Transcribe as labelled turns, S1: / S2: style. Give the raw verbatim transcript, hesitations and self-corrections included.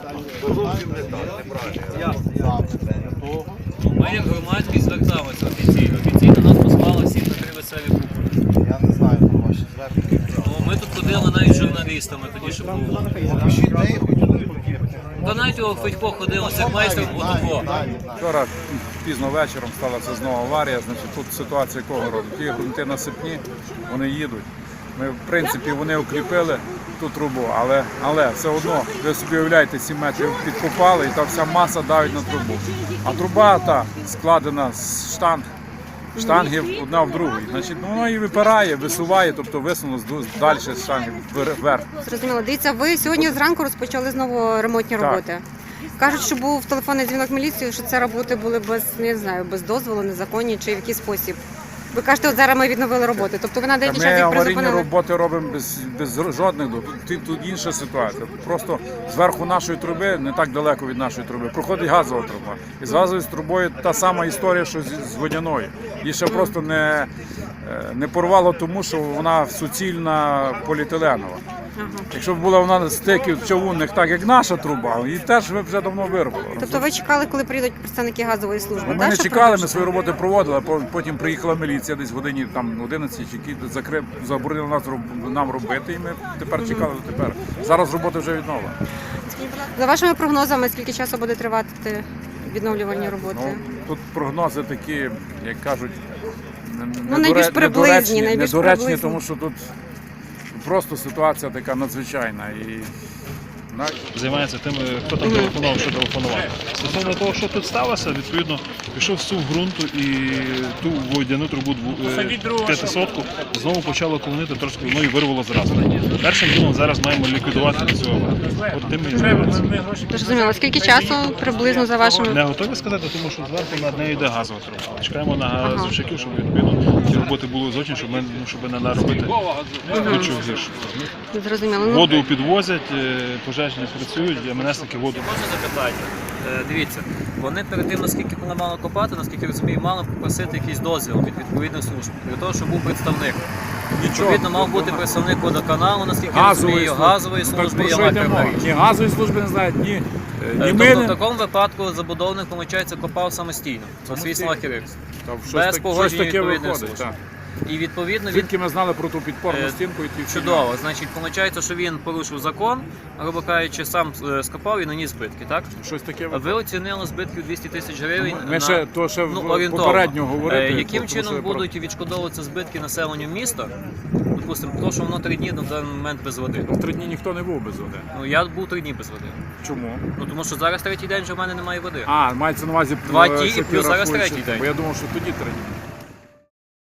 S1: Зовсім не так, неправильно.
S2: Ми як громадськість зверталися офіційно. Офіційно нас послали всі на три веселі купи.
S3: Я не знаю про ваші звернення.
S2: Ну, ми тут ходили навіть з журналістами, тоді що було.
S3: Пишіть, де їх хотіли.
S2: Та навіть у Федько ходили, як майстер фотофо.
S4: Вчора пізно вечором сталася знову аварія, значить тут ситуація якого роду. Ті ґрунти насипні, вони їдуть. Ми, в принципі, вони укріпили ту трубу, але, але все одно, ви собі уявляєте, сім метрів підкопали і та вся маса давить на трубу. А труба та складена з штанг, штангів одна в другій. Значить, воно її випирає, висуває, тобто висунуло далі з штангів вверх.
S5: Зрозуміло. Дивіться, ви сьогодні зранку розпочали знову ремонтні
S4: Так.
S5: роботи. Кажуть, що був телефонний дзвінок міліції, що це роботи були без, не знаю, без дозволу, незаконні чи в який спосіб. Ви кажете, от зараз ми відновили роботи. Тобто ви на деякий
S4: Ми
S5: час їх
S4: аварійні
S5: призупинили?
S4: роботи робимо без, без жодних до. Тут, тут інша ситуація. Просто зверху нашої труби, не так далеко від нашої труби, проходить газова труба. І з газовою трубою та сама історія, що з, з водяною. Її ще просто не, не порвало тому, що вона суцільна поліетиленова.
S5: Ага.
S4: Якщо б була вона стиків човунних, так як наша труба, її теж вже давно вирвало.
S5: Тобто ви чекали, коли приїдуть представники газової служби?
S4: Ми
S5: так,
S4: не
S5: щоб
S4: чекали, ми
S5: продовжити?
S4: свої роботи проводили, а по- потім приїхала міліція десь в годині там одинадцять, які закрив, заборонили нас роб- нам робити, і ми тепер чекали до тепер. Зараз роботи вже відновлені.
S5: За вашими прогнозами, скільки часу буде тривати відновлювальні роботи?
S4: Ну, тут прогнози такі, як кажуть, не-
S5: Ну,
S4: недоре-
S5: найбільш приблизні,
S4: недоречні,
S5: найбільш
S4: недоречні,
S5: приблизні.
S4: тому що тут просто ситуація така надзвичайна. І на-
S6: Займається тим, хто там телефонував, що телефонував. Стосовно того, що тут сталося, відповідно, пішов сув ґрунту і ту водяну трубу п'ятисотку знову почало колонити, трошки воно і вирвало зразу. Першим ділом зараз маємо ліквідувати цю аварію. От тим і займається.
S5: Зрозуміло. Скільки часу приблизно за вашими...
S6: Не готові сказати, тому що зверху над нею йде газова труба. Чекаємо на газовщиків, щоб відповідно ці роботи були зочні, щоб, ми, ну, щоб не наробити нічого гірше.
S5: Зрозуміло. Ну,
S6: Воду підвозять, е, пожежні працюють, а МНСники воду.
S2: Можна запитання? Е, Дивіться, вони перед тим, наскільки вони мали копати, наскільки розумію, мали попросити якийсь дозвіл від відповідних служб, для того, щоб був представник. Відповідно, мав бути представник водоканалу, наскільки я розумію, газової
S4: Так
S2: служби
S4: про
S2: і
S4: що йде мова?
S2: електромережі.
S4: Ні газової служби не знають, ні, е, ні
S2: Тобто
S4: ми
S2: в
S4: не.
S2: такому випадку забудовник, виходить, копав самостійно, за свій смахерикс.
S4: Та щось
S2: без
S4: так- щось
S2: погодження
S4: таке
S2: відповідних
S4: виходить.
S2: служб.
S4: Так.
S2: І відповідно він
S4: Звідки ми знали про ту підпорну
S2: Е,
S4: стінку і ті всі
S2: чудово. Значить, виходить, що він порушив закон, грубо кажучи, сам е, скопав і наніс збитки, так?
S4: щось таке
S2: Ви
S4: виходить.
S2: оцінили збитки у двісті тисяч гривень.
S4: Ми
S2: на,
S4: ще то ще
S2: ну,
S4: в-
S2: орієнтовно.
S4: попередньо говорити.
S2: Е, Яким
S4: тому що
S2: чином
S4: я про-
S2: будуть відшкодовуватися збитки населенню міста? Допустимо, тому що воно три дні на даний момент без води.
S4: В три дні ніхто не був без води.
S2: Ну я був три дні без води.
S4: Чому?
S2: Ну тому що зараз третій день вже в мене немає води.
S4: А, мається на увазі
S2: Два
S4: е,
S2: ті і
S4: що ти
S2: плюс зараз
S4: рахуєш,
S2: третій
S4: що-
S2: день.
S4: Бо я думав, що тоді три дні.